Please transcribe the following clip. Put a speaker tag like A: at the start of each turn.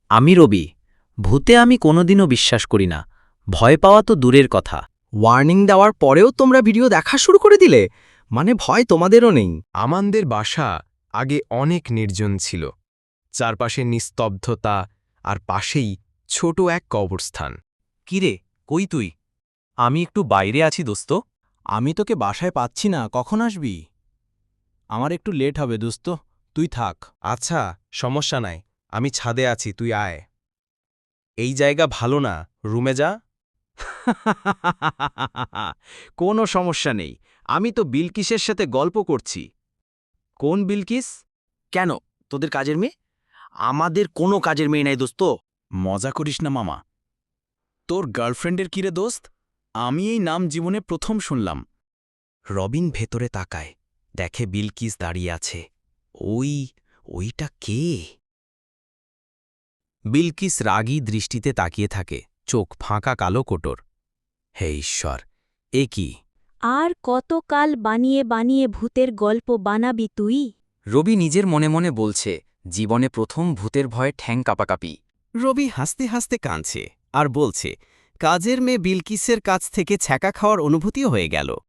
A: আমি রবি। ভূতে আমি কোনোদিনও বিশ্বাস করি না। ভয় পাওয়া তো দূরের কথা।
B: ওয়ার্নিং দেওয়ার পরেও তোমরা ভিডিও দেখা শুরু করে দিলে, মানে ভয় তোমাদেরও নেই।
C: আমাদের বাসা আগে অনেক নির্জন ছিল, চারপাশে নিস্তব্ধতা, আর পাশেই ছোট এক কবরস্থান।
D: কিরে, কই তুই? আমি একটু বাইরে আছি দোস্ত।
E: আমি তোকে বাসায় পাচ্ছি না, কখন আসবি? আমার একটু লেট হবে দোস্ত, তুই থাক।
C: আচ্ছা, সমস্যা নাই, আমি ছাদে আছি, তুই আয়। এই জায়গা ভালো না, রুমে যা।
D: কোনো সমস্যা নেই, আমি তো বিলকিসের সাথে গল্প করছি। কোন বিলকিস? কেন, তোদের কাজের মেয়ে? আমাদের কোনো কাজের মেয়ে নাই দোস্ত। মজা করিস না মামা। তোর গার্লফ্রেন্ডের কিরে দোস্ত? আমি এই নাম জীবনে প্রথম শুনলাম।
A: রবিন ভেতরে তাকায়, দেখে বিলকিস দাঁড়িয়ে আছে। ওইটা কে? বিলকিস রাগী দৃষ্টিতে তাকিয়ে থাকে, চোখ ফাঁকা কালো কোটর। হে ঈশ্বর, এ কি?
F: আর কতকাল বানিয়ে বানিয়ে ভূতের গল্প বানাবি তুই?
A: রবি নিজের মনে মনে বলছে, জীবনে প্রথম ভূতের ভয়ে ঠ্যাং কাঁপাকাঁপি।
B: রবি হাসতে হাসতে কাঁদছে আর বলছে, কাজের মেয়ে বিলকিসের কাছ থেকে ছ্যাঁকা খাওয়ার অনুভূতিও হয়ে গেল।